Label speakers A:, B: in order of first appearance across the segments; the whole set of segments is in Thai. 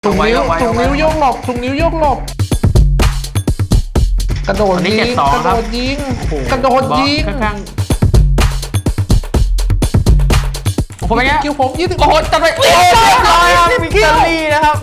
A: ถุงนิ้วโยกหลบถุงนิ้วโยกหลบกระโดดยิงกระโดดยิงกระโดดยิง
B: ข้างผมเป็นไง
A: คิวผม20
B: โอ้โหจัดไปเรียบร้อยครับวิกตอรี่นะครับ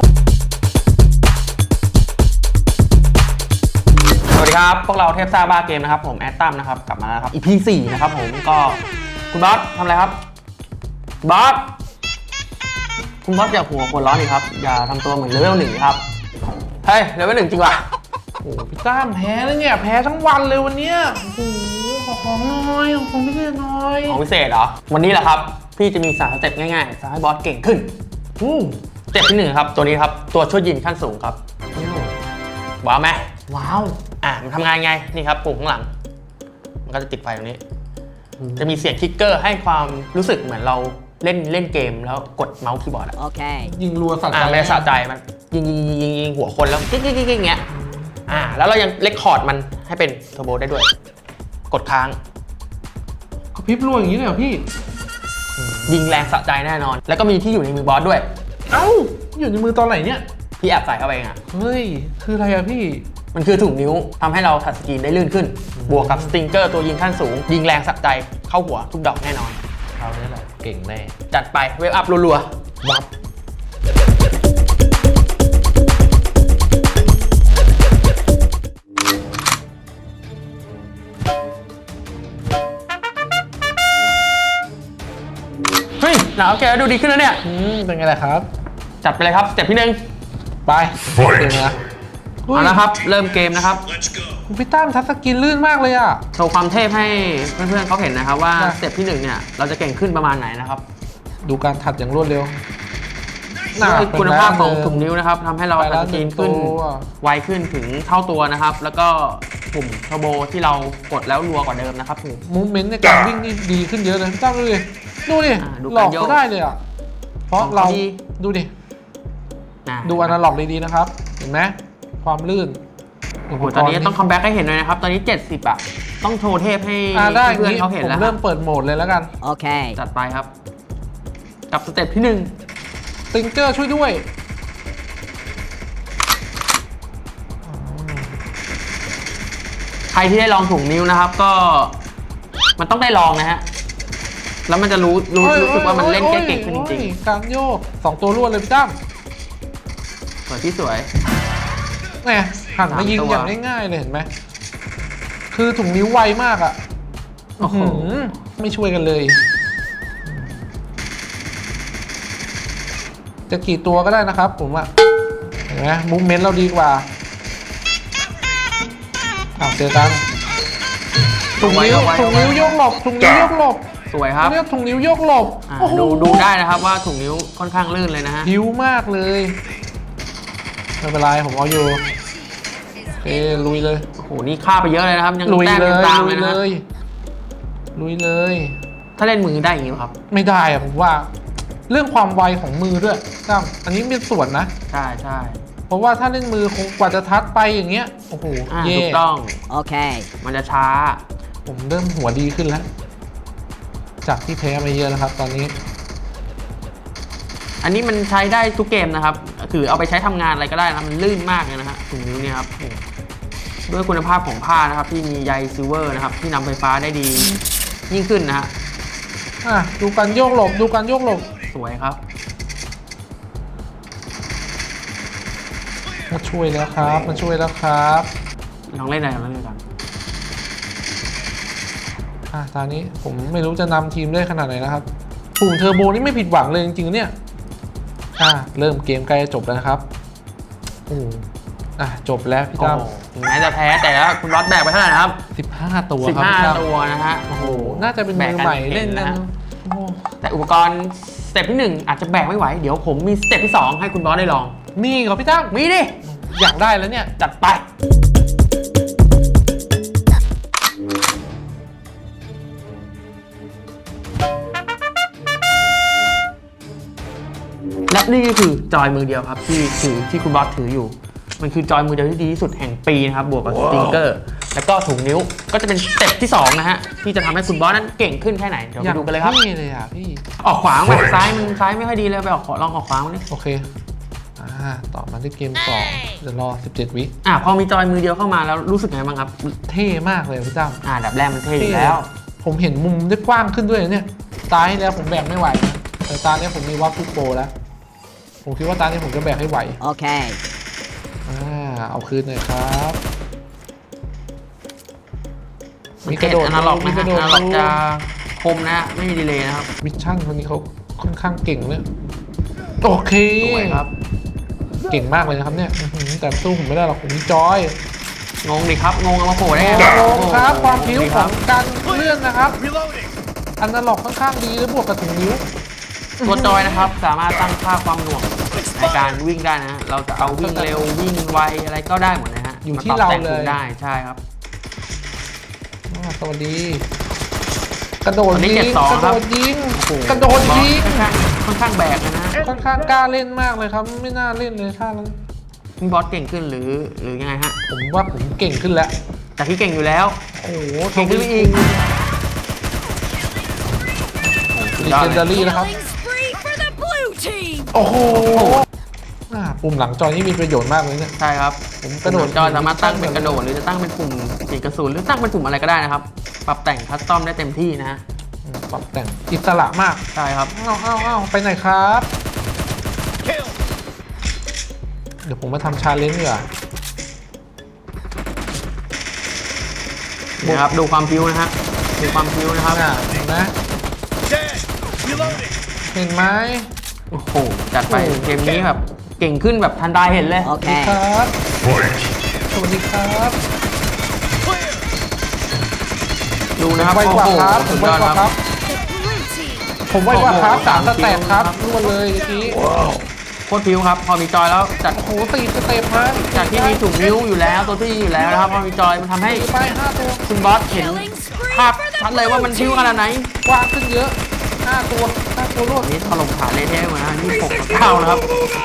B: สวัสดีครับพวกเราเทพซ่าบ้าเกมนะครับผมแอดตั้มนะครับกลับมาแล้วครับ EP 4นะครับผมก็คุณบอสทำอะไรครับบอสคุณบอสอย่าหัวคนร้อนดิครับอย่าทำตัวเหมือนเลเวล1ครับเฮ้ยเลเวล1จริงว่ะ
A: โอ้พี่ตั้มแพ้แล้วเนี่ยแพ้ทั้งวันเลยวันเนี้ยโอ้โหขอของน้อยของพิเศษน้อย
B: ของพิเศษเหรอวันนี้แหละครับพี่จะมี3สเต็ปง่ายๆจะให้บอสเก่งขึ้นสเต็ปที่1ครับตัวนี้ครับตัวช่วยยิงขั้นสูงครับว้าวไหม
A: ว้าว
B: มันทำงานไงนี่ครับปุ่มข้างหลังมันก็จะติดไฟตรงนี้จะมีเสียงคิกเกอร์ให้ความรู้สึกเหมือนเราเล่นเกมแล้วกดเมาส์คีย์บอร์ด
A: โอเคยิงรัวสะใจ
B: ไม่สะใจมันยิงหัวคนแล้วกิ๊กอย่างเงี้ยแล้วเรายังเรคคอร์ดมันให้เป็นเทอร์โบได้ด้วยกดค้าง
A: กระพริบรัวอย่างนี้เลยเหรอพี่
B: ยิงแรงสะใจแน่นอนแล้วก็มีที่อยู่ในมือบอสด้วย
A: อยู่ในมือตอนไหนเนี่ย
B: พี่แอบใส่เข้าไปเอง
A: เฮ้ยคืออะไรอะพี่
B: มันคือถุงนิ้วทำให้เราทัชสกรีนได้ลื่นขึ้นบวกกับสติงเกอร์ตัวยิงขั้นสูงยิงแรงสะใจเข้าหัวทุกดอกแน่นอน
A: เอาเนี่ยแหละเก่งแน่
B: จัดไปเวฟอัพรัวๆวับเฮ้ยหนาวแกดูดีขึ้นแล้วเนี่ย
A: เป็นไงล่ะครับ
B: จัดไปเลยครับสเต็ปที่1ไป
A: เก่งนะ
B: เอาละครับเริ่มเกมนะครับ
A: พี่ตั้มทัชสกรีนลื่นมากเลยอ่ะ
B: โชว์ความเทพให้เพื่อนๆเขาเห็นนะครับว่าสเต็ปที่1เนี่ยเราจะเก่งขึ้นประมาณไหนนะครับ
A: ดูการถัดอย่างรวดเร็ว
B: ด้วยคุณภาพของถุงนิ้วนะครับทำให้เราทัชสกรีนขึ้นไวขึ้นถึงเท่าตัวนะครับแล้วก็ปุ่มเทอร์โบที่เรากดแล้วรัวกว่าเดิมนะครับ
A: มูฟเมนต์ในการวิ่งนี่ดีขึ้นเยอะเลยพี่ตั้มดูดิหลอกก็ได้เลยอ่ะเพราะเราดูดิดูอนาล็อกดีๆนะครับเห็นไหมความลื่น
B: โอ้โหตอนนี้ต้องคัมแบ็กให้เห็นเลยนะครับตอนนี้70ต้องโชว์เทพให้เพื่อนเขาเห็นแล้ว
A: ผมเริ่มเปิดโหมดเลยแล้วกัน
B: โอเคจัดไปครับกับสเต็ปที่
A: 1ติงเกอร์ช่วยด้วย
B: ใครที่ได้ลองถุงนิ้วนะครับก็มันต้องได้ลองนะฮะแล้วมันจะรู้สึกว่ามันเล่นเก่งขึ้นจริง
A: ๆการโยก2ตัวรวดเลยพี่ตั้ม
B: สวยที่สวย
A: ไงหันมายิงอย่างง่ายๆเลยเห็นไหมคือถุงนิ้วไวมากอ่ะไม่ช่วยกันเลยจะกี่ตัวก็ได้นะครับผมอ่ะเห็นไหมมูฟเมนต์เราดีกว่าเจอกันถุงนิ้วโยกหลบถุงนิ้วโยกหลบ
B: สวยครับ
A: เรียกถุงนิ้วโยกหลบ
B: ดูได้นะครับว่าถุงนิ้วค่อนข้างลื่นเลยนะฮะ
A: ผิวมากเลยไม่เป็นไรผมเอาอยู่โอเคลุยเลย
B: โอ้โหนี่ฆ่าไปเยอะเลยนะครับยังแต้มยังตามเลยนะ
A: ลุยเลย
B: ถ้าเล่นมือได้อย่างนี้ครับ
A: ไม่ได้อะผมว่าเรื่องความไวของมือด้วยตั้มอันนี้เป็นส่วนนะ
B: ใช่
A: เพราะว่าถ้าเล่นมือคงกว่าจะทัดไปอย่างเงี้ยโอ้โห
B: ถูกต้องโอเคมันจะช้า
A: ผมเริ่มหัวดีขึ้นแล้วจากที่แพ้มาเยอะนะครับตอนนี้
B: อันนี้มันใช้ได้ทุกเกมนะครับคือเอาไปใช้ทำงานอะไรก็ได้นะมันลื่นมากเลยนะฮะถุงนิ้วเนี่ยครับด้วยคุณภาพของผ้านะครับที่มีใยซิลเวอร์นะครับที่นำไฟฟ้าได้ดียิ่งขึ้นนะฮะ
A: ดูการโยกหลบ
B: สวยครับ
A: มาช่วยแล้วครับ
B: ลองเล่นอะไรกัน
A: ตอนนี้ผมไม่รู้จะนำทีมได้ขนาดไหนนะครับปุ่มเทอร์โบนี่ไม่ผิดหวังเลยจริงๆเนี่ยเริ่มเกมใกล้จะจบแล้วนะครับจบแล้วพี่ตั้ม
B: ถึงแม้จะแพ้แต่แล้วคุณน็อตแบกไปเท่าไหร่นะครับ
A: 15 ตัว
B: ครับ15 ตัวนะฮะ
A: โอ้โหน่าจะเป็นมือใหม่เล่นนะ
B: แต่อุปกรณ์สเต็ปที่1อาจจะแบกไม่ไหวเดี๋ยวผมมีสเต็ปที่2ให้คุณบอสได้ลอง
A: มีเหรอพี่ตั้ม
B: มีดิ
A: อยากได้แล้วเนี่ย
B: จัดไปและนี่ก็คือจอยมือเดียวครับที่คุณบอสถืออยู่มันคือจอยมือเดียวที่ดีที่สุดแห่งปีนะครับบวกกับสติงเกอร์แล้วก็ถุงนิ้วก็จะเป็นสเต็ปที่2นะฮะที่จะทำให้คุณบอสนั้นเก่งขึ้นแค่ไหนเดี๋ยวไปดูกันเลยครับ
A: นี่เลยพี่
B: ออกขวางแบบซ้ายไม่ค่อยดีเลยไปลองออกขวางมาดิ
A: โอเคต่อมาที่เกม2เดี๋ยวรอ17วิ
B: พอมีจอยมือเดียวเข้ามาแล้วรู้สึกไงบ้างครับ
A: เท่มากเลยพี่ตั้ม
B: อันดับแรกมันเท่อยู่แล้ว
A: ผมเห็นมุมได้กว้างขึ้นด้วยเนี่ยตาที่แล้วผมแบกไม่ไหวนะแต่ตาเนี้ยผมมีวัฟฟุตโปแล้วผมคิดว่าตานี้ผมจะแบกให้ไหว
C: โอเค
A: เอาคืนหน่อยครับ
B: มีกระโดดอนาล็อกนะฮะอนาล็อกจะคมนะไม่มีดีเลย์นะครับ
A: มิชชั่นคนนี้เขาค่อนข้างเก่งเลยโอเค
B: สวยครับ
A: เก่งมากเลยนะครับเนี่ยแต่สู้ผมไม่ได้หรอกผมมีจอย
B: งงดิครับงงเอามาโผล่ได้ไง
A: งงครับความผิวของการเลื่อนนะครับอนาล็อกค่อนข้างดีแล้วบวกกับถุงนิ้ว
B: ตัวจอยนะครับสามารถตั้งค่าความหน่วงในการวิ่งได้นะเราจะเอาวิ่งเร็ววิ่งไวอะไรก็ได้หมดนะฮะ
A: อยู่ที่เราเลย
B: ได้ใช่ครับ
A: สวัสดีกระโดดยิงกระโดดยิงกระโดดยิง
B: ค่อนข้างแบกนะ
A: ค่อนข้างกล้าเล่นมากเลยครับไม่น่าเล่นเลยท่านั้น
B: บอสเก่งขึ้นหรือยังไงฮะ
A: ผมว่าผมเก่งขึ้นแล้ว
B: แต่ที่เก่งอยู่แล้ว
A: โอ้โห
B: เก่งขึ้นอีก
A: เลเจนดารี่นะครับโอ้โหปุ่มหลังจอนี่มีประโยชน์มากเลยเนี่ย
B: ใช่ครับผมกระโดดจอสามารถตั้งเป็นกระโดดหรือจะตั้งเป็นปุ่มเปลี่ยนกระสุนหรือตั้งเป็นปุ่มอะไรก็ได้นะครับปรับแต่งคัสตอมได้เต็มที่นะฮะ
A: ปรับแต่งอิสระมาก
B: ใช่ครับ
A: เอาไปไหนครับเดี๋ยวผมมาทำชาเลนจ์ดีกว่า
B: นะครับดูความพิ้วนะฮะดูความพิ้วนะครับ
A: เห็นไหมเห็นไหม
B: โอ้โหจัดไปเกมนี้แบบเก่งขึ้นแบบทันใดเห็นเลย
C: โอเค
A: ครับสวัสดีครับ
B: ดูนะครับ
A: ไวกว่าครับผมไวกว่าครับผมไวกว่าครับ3สเต็ปครับรู้มาเลยเมื่อกี้
B: โคตรพิ้วครับพอมีจอยแล้วจัด
A: โอ้โห4สเต็ปฮะ
B: จากที่มีถุงนิ้วอยู่แล้วตัวที่อยู่แล้วนะครับพอมีจอยมันทำให้
A: ไป5ตัว
B: คุณบอสเห็นภาพชัดเลยว่ามันพิ้วขนาดไหน
A: กว้างขึ้นเยอะ5ตัวรวด
B: นี้ถล่มขาเละเทะมา26-9นะครับ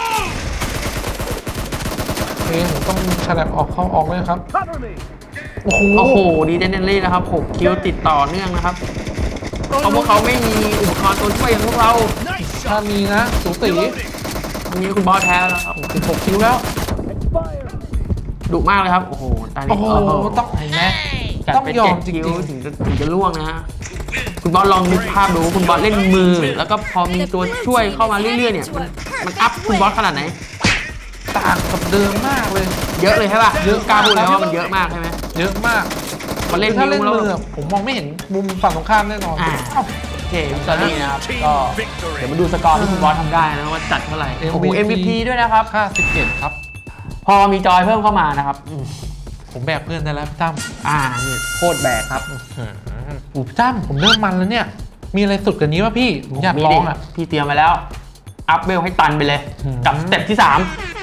A: ผมต้องฉลับออกเข้าออกเลยครับ
B: โอ้โหดีเดนเล่นะครับ6คิวติดต่อเนื่องนะครับเพราะพวกเขาไม่มีอุปกรณ์ตัวช่วยอย่างพวกเรา
A: ถ้ามีนะสูสี
B: วันนี้คุณบอสแท้แล้วครับ
A: 16คิวแล้ว
B: ดุมากเลยครับโอ้โหตอนนี้
A: ต้องเห็นไหม
B: ต้องยอมจริงถึงจะล่วงนะฮะคุณบอสลองนึกภาพดูคุณบอสเล่นมือแล้วก็พอมีตัวช่วยเข้ามาเรื่อยๆเนี่ยมันอัพคุณบอสขนาดไหน
A: ต่างกับเดิมมากเลย
B: เยอะเลยใช่ป่ะเยอะกล้าพูดเลยว่ามันเยอะมากใช่ไหม
A: เยอะมาก
B: มันเล่น
A: ถ้าเล่นมือผมมองไม่เห็นมุมฝั่งตรงข้ามแน่นอน
B: โอเคตอนนี้นะครับก็เดี๋ยวมาดูสกอร์ที่คุณบอสทำได้นะว่าจัดเท่าไหร่โอ้โห MVP ด้วยนะครับ
A: 57ครับ
B: พอมีจอยเพิ่มเข้ามานะครับ
A: ผมแบกเพื่อนได้แล้วพี่ตั้ม
B: นี่โคตรแบกครับ
A: พี่ตั้มผมเริ่มมันแล้วเนี่ยมีอะไรสุดกว่านี้ป่ะพี่ผมอยากลอง
B: พี่เตรียมไปแล้วอัพเวลให้ตันไปเลยกับสเต็ปที่3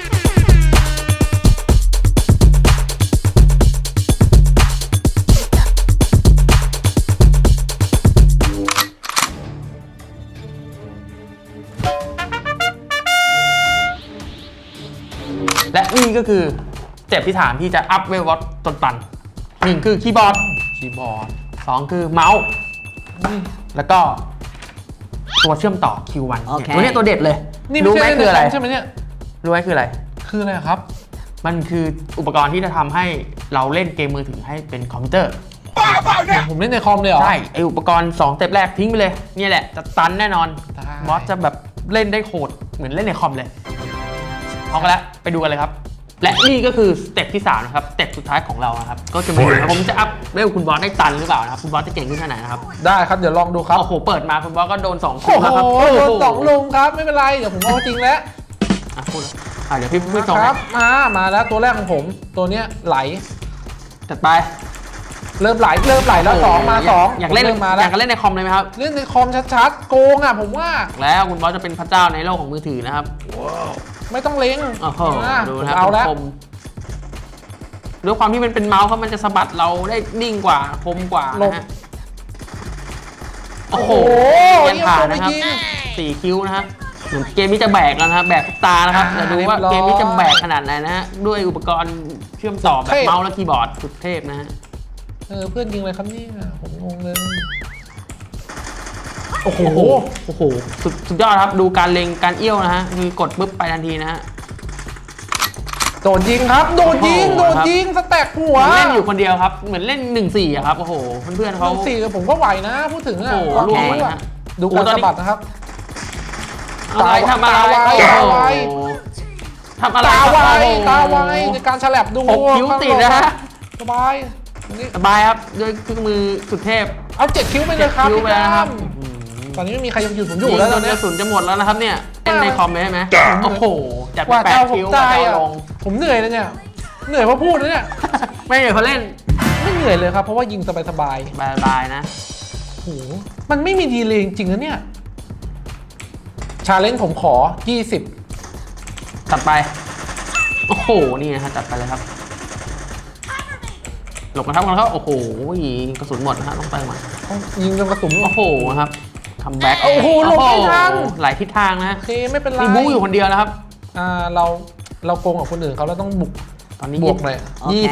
B: และนี่ก็คือสเต็ปที่3ที่จะอัพเวลวัตจนตัน1คือคีย์บอร์ด2คือเมาส์แล้วก็ตัวเชื่อมต่อ Q1 ตัวนี้ตัวเด็ดเลยรู้ไหมคืออะไร
A: ใช่ไหมเนี่ย
B: รู้ไหมคืออะไร
A: ครับ
B: มันคืออุปกรณ์ที่จะทำให้เราเล่นเกมมือถือให้เป็นคอมพิวเตอร์
A: ผมเล่นในคอมเลยเหรอ
B: ใช่ไออุปกรณ์2สเต็ปแรกทิ้งไปเลยนี่แหละจะตันแน่นอนบอสจะแบบเล่นได้โหดเหมือนเล่นในคอมเลยพร้อมกันแล้วไปดูกันเลยครับและนี่ก็คือสเต็ปที่3นะครับสเต็ปสุดท้ายของเรานะครับก็จะเป็นผมจะอัพเวลคุณบอสได้ตันหรือเปล่านะครับคุณบอสจะเก่งขึ้นแค่ไหนนะครับ
A: ได้ครับเดี๋ยวลองดูครับ
B: โอ้โหเปิดมาคุณบอสก็โดน2ลุมครับ
A: โดน2ลุมครับไม่เป็นไรเดี๋ยวผมเอาจริงแล้ว
B: พูดเดี๋ยวพี่พูดต่อ
A: ครับมาแล้วตัวแรกของผมตัวเนี้ยไหล
B: จัดไป
A: เริ่มไหลแล้ว2มา2
B: อยากเล่นมาแล้วอยากเล่นในคอมเลยไหมครับ
A: เล่นในคอมชัดๆโกงผมว่า
B: แล้วคุณบอสจะเป็นพระเจ้าในโลกของมือถือนะครับ
A: ไม่ต้องเล็ง
B: ดูนะเอาแล้วด้วยความที่มันเป็นเมาส์เพราะมันจะสะบัดเราได้นิ่งกว่าคมกว่านะฮะโอ้โหยังผ่านนะครับ4คิวนะฮะเหมือนเกมนี้จะแบกแล้วนะครับแบกตานะครับจะดูว่าเกมนี้จะแบกขนาดไหนนะฮะด้วยอุปกรณ์เชื่อมต่อแบบเมาส์และคีย์บอร์ดสุดเทพนะฮะ
A: เพื่อนยิงเลยครับนี่ผมงงเลย
B: โอ้โหสุดยอดครับดูการเล็งการเอี้ยวนะฮะคือกดปุ๊บไปทันทีนะฮะ
A: โดดยิงครับโดดยิงสแต็กหัว
B: เล่นอยู่คนเดียวครับเหมือนเล่น 1-4อะครับโอ้โหเพื่อนๆเขา
A: 1-4ผมก็ไหวนะพูดถึงอ่ะ
B: โอ้โห
A: ลอง
B: ล่วง
A: ดู
B: ไป
A: อ่ะ
B: นะ
A: ดูการสะบัดนะครับ
B: ทำอะไร
A: ตาไว
B: ทำอะไร
A: ตาไวในการฉลับดู
B: 6 คิ้วติดนะฮะ
A: สบายนี่
B: สบายครับด้วยเครื่องมือสุดเทพ
A: เอา7 คิ้วไปเลยครับ
B: คิ้ว
A: พี่
B: ไปแล้วนะครับ
A: ตอนนี้ไม่มีใครยังหยุดผมอ
B: ยิ
A: ยู่
B: ง
A: แล้ว
B: จ
A: ตอน น
B: ก
A: เนี้ย
B: ระสุนจะหมดแล้วนะครับเนี่ยเล่นในคอมไหมใช่ไหมโอ้โหจัด
A: ก
B: ไป
A: ว่า
B: แป
A: จะ
B: ด
A: เอาผม
B: คิ้ว
A: ตายอ่ะ
B: ลง
A: ผมเหนื่อยนะเนี่ยเหนื่อยเพราะพูดนะเนี่ย
B: ไม่เหนื่อยเพราะเล่น
A: ไม่เหนื่อยเลยครับเพราะว่ายิงสบาย
B: บายๆนะ
A: ๆโอ้โหมันไม่มีดีเลยจริงๆนะเนี่ยชาเลนจ์ผมขอ20
B: ตัดไปโอ้โหนี่นะฮะจัดไปเลยครับหลบกันครับโอ้โหกระสุนหมดนะฮะต้องไปมา
A: ต้องยิงจนกระสุน
B: โอ้โหครับคัมแบ็ก
A: โอ้โหหลบไม่ทัน
B: หลายทิศทางนะ
A: โอเคไม่เป็นไร
B: มีบู๊อยู่คนเดียวนะครับ
A: เราโกงกับคนอื่นเขาแล้วต้องบุก
B: ตอนนี้
A: บวกเลย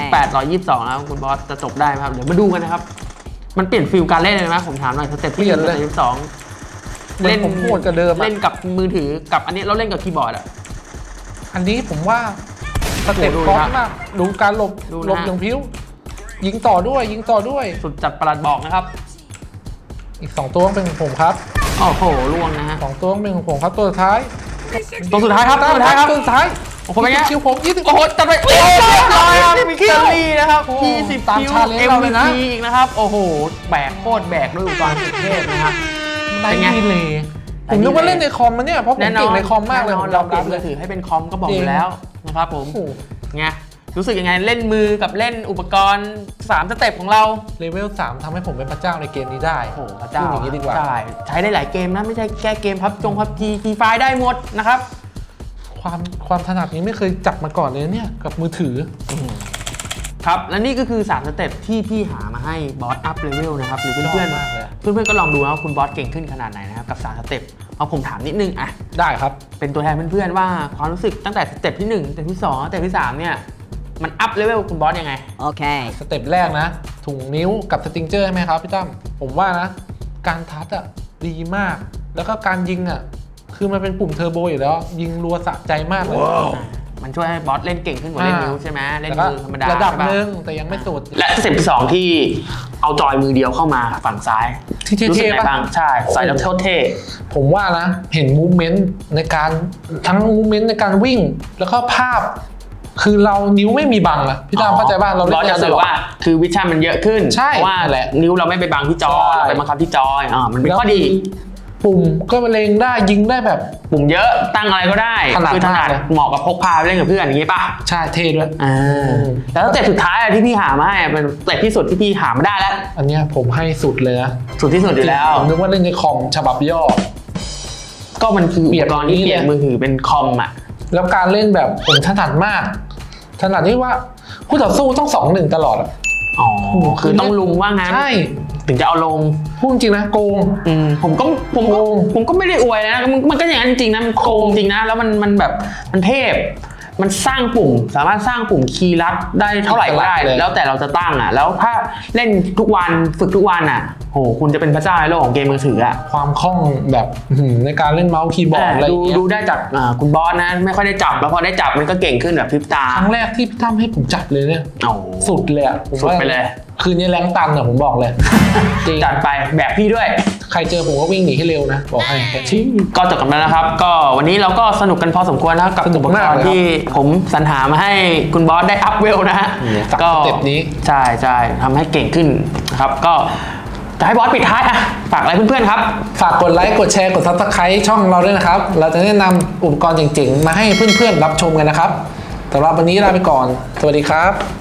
B: 28-22แล้วคุณบอสจะจบได้ไหมครับเดี๋ยวมาดูกันนะครับมันเปลี่ยนฟิลการเล่นเลยไหมผมถามหน่อยสเต็ปที่1
A: เหมือนผมโหดกว่าเดิมอะ
B: เล่นกับมือถือกับอันนี้เราเล่นกับคีย์บอร์ดอะ
A: อันนี้ผมว่าสเต็ป
B: โอ้โห
A: คอร์ส
B: ดูนะ
A: มากดูการหลบ
B: ดูนะ
A: หลบอย่างพิ้วยิงต่อด้วย
B: สุดจัดประหลัดบอกนะครับ
A: อีก2ตัวต้องเป็นของผมครับ
B: โอ้โหล่วงนะฮะ
A: 2ตัวต้องเป็นของผมครับตัวสุดท้าย
B: ตัวสุดท้ายครับตัวสุดท้ายครับ
A: ตัวสุดท้าย
B: โอ้โหเป็นไง
A: คิวผม20
B: โอ้โหจัดไปเรียบร้อยครับวิกตอรี่นะครับ
A: โอ้
B: 20
A: ตาม
B: คิว
A: challenge เราเลยนะ
B: MVP อีกนะครับโอ้โหแบกโคตรแบกด้วยอุปกรณ์สุดเทพนะครับ
A: ได้
B: เป็นไง
A: ดีเลยผมนึกว่าเล่นในคอมมาเนี่ยเพราะผม
B: แน่นอ
A: เก่ง
B: น
A: ในคอมมากเลย
B: แน่น
A: ผ
B: อน
A: มย
B: เรา
A: อม
B: เปลี่
A: รั
B: ย
A: บ
B: น
A: เล
B: มื
A: ย
B: อถือให้เป็นคอมก็บอกอยู่แล้วนะครับผม
A: โอ้โห
B: ไงรู้สึกยังไงเล่นมือกับเล่นอุปกรณ์3 สเต็ปของเรา
A: เลเวล3ทำให้ผมเป็นพระเจ้าในเกมนี้ได้
B: โอ้โหพระเจ้า
A: พูดอย่างนี้ดีกว่า
B: ใช่ใช้ได้หลายเกมนะไม่ใช่แค่เกมพับจีฟรีไฟได้หมดนะครับ
A: ความถนัดนี้ไม่เคยจับมาก่อนเลยเนี่ยกับมือถือ
B: ครับและนี่ก็คือ3 สเต็ปที่พี่หามาให้บอสอัพเลเวลนะครับหรือเพื่อน
A: ชอบมากเลย
B: ๆเพื่อนๆก็ลองดูนะว่าคุณบอสเก่งขึ้นขนาดไหนนะครับกับ3 สเต็ปเอาผมถามนิดนึงอ่ะ
A: ได้ครับ
B: เป็นตัวแทนเพื่อนๆว่าความรู้สึกตั้งแต่สเต็ปที่1สเต็ปที่2สเต็ปที่3เนี่ยมันอัพเลเวลคุณบอสยังไง
C: Okay.
A: สเต็ปแรกนะ ถุงนิ้วกับสติงเจอร์ใช่ไหมครับพี่ตั้มผมว่านะ การทัดอ่ะดีมาก แล้วก็การยิงอ่ะคือมันเป็นปุ่มเทอร์โบอยู่แล้ว ยิงรัวสะใจมากเลย
B: มันช่วยให้บอสเล่นเก่งขึ้นกว่าเล่นนิ้วใช่ไหมเล่น
A: แล้วก็
B: มือธรรมดา
A: ระดับ
B: ใช่ป
A: หนึ่งแต่ยังไม่สุด
B: และสเต็ปที่2ที่เอาจอยมือเดียวเข้ามาฝั่งซ้าย
A: ที่เท่ๆ
B: รู้สึกไง
A: ปะ
B: บ้างใช่ใส่แล้วเท่
A: ผมว่านะ เห็นมูฟเมนต์ในการทั้งมูฟเมนต์ในการวิ่ง แล้วก็ภาพ คือเรานิ้วไม่มีบังอะพี่ตามเข้าใจป่ะเรา
B: บอสจะสื่อว่าคือวิชั่นมันเยอะขึ้น
A: ใช่
B: เพราะว่า
A: นั่นแหละ
B: นิ้วเราไม่ไปบังที่จอ
A: ใช่
B: เราไปบังคับที่จอยมันเป็นข้อดี
A: ปุ่มก็เล็งได้ยิงได้แบบ
B: ปุ่มเยอะตั้งอะไรก็ได้
A: ถนัด
B: คือถนัด
A: มากเลย
B: เหมาะกับพกพาไปเล่นกับเพื่อนอย่างงี้ป่ะ
A: ใช่เท่ด้วย
B: แล้วสเต็ปสุดท้ายอะที่พี่หามาให้เป็นสเต็ปที่สุดที่พี่หามาได้แล้ว
A: อันเนี้ยผมให้สุดเลยนะ
B: สุดที่สุดอยู่แล้ว
A: ผมนึกว่าเล่นในคอมฉบับย่อ
B: ก็มันคืออุ
A: เปลี่
B: ป
A: ยน
B: กรณ์ที่
A: นี่
B: เปลี่ยน
A: เลย
B: มือถือเป็นคอมอ่ะ
A: แล้วการเล่นแบบผมถนัดมากถนัดที่ว่าคู่ต่อสู้ต้อง2-1ตลอดอะ
B: อ๋อคือต้องลุงว่างั้น
A: ใช่
B: ถึงจะเอาลง
A: พูดจริงนะโกง
B: ผมก็
A: โกง
B: ผมก็ไม่ได้อวยนะมันก็อย่างนั้นจริงๆนะมันโกงจริงนะแล้วมันแบบมันเทพมันสร้างปุ่มสามารถสร้างปุ่มคีย์ลัดได้เท่าไหร่ก็ได้
A: เลย
B: แล้วแต่เราจะตั้งอ่ะแล้วถ้าเล่นทุกวันฝึกทุกวันอ่ะโหคุณจะเป็นพระเจ้าในโลกของเกมมือถืออ่ะ
A: ความคล่องแบบในการเล่นเมาส์คีย์บอร์ดอะไรอย่างเงี้ย
B: ดูได้จากคุณบอสนะไม่ค่อยได้จับแล้วพอได้จับมันก็เก่งขึ้นแบบพริบตา
A: ครั้งแรกที่พี่ตั้มให้ผมจับเลยเนี่ย
B: โอ้
A: สุดเลยอะผม
B: สุด
A: ว่า
B: ไปเลย
A: คืนนี้แรงตันอะผมบอกเลยจริง
B: จัดไปแบบพี่ด้วย
A: ใครเจอผมก็วิ่งหนีให้เร็วนะบอกให้แค่ชิ้น
B: ก็จบกันแล้วนะครับ ก็วันนี้เราก็สนุกกันพอสมควรนะครับกับ
A: สนุ
B: อุ
A: ก
B: ปก
A: มาก
B: ร
A: เลยครับ
B: ณ์ที่ผมสรรหามาให้คุณบอสได้อัพเวลนะฮะ
A: จากสเต็ปนี้
B: ใช่ใช่ทำให้เก่งขึ้นนะครับก็จะให้บอสปิดท้ายอ่ะฝากอะไรเพื่อนๆครับ
A: ฝากกดไลค์กดแชร์กด Subscribe ช่องเราด้วยนะครับ เราจะแนะนำอุปกรณ์เจ๋งๆมาให้เพื่อนๆรับชมกันนะครับสำหรับวันนี้ลาไปก่อนสวัสดีครับ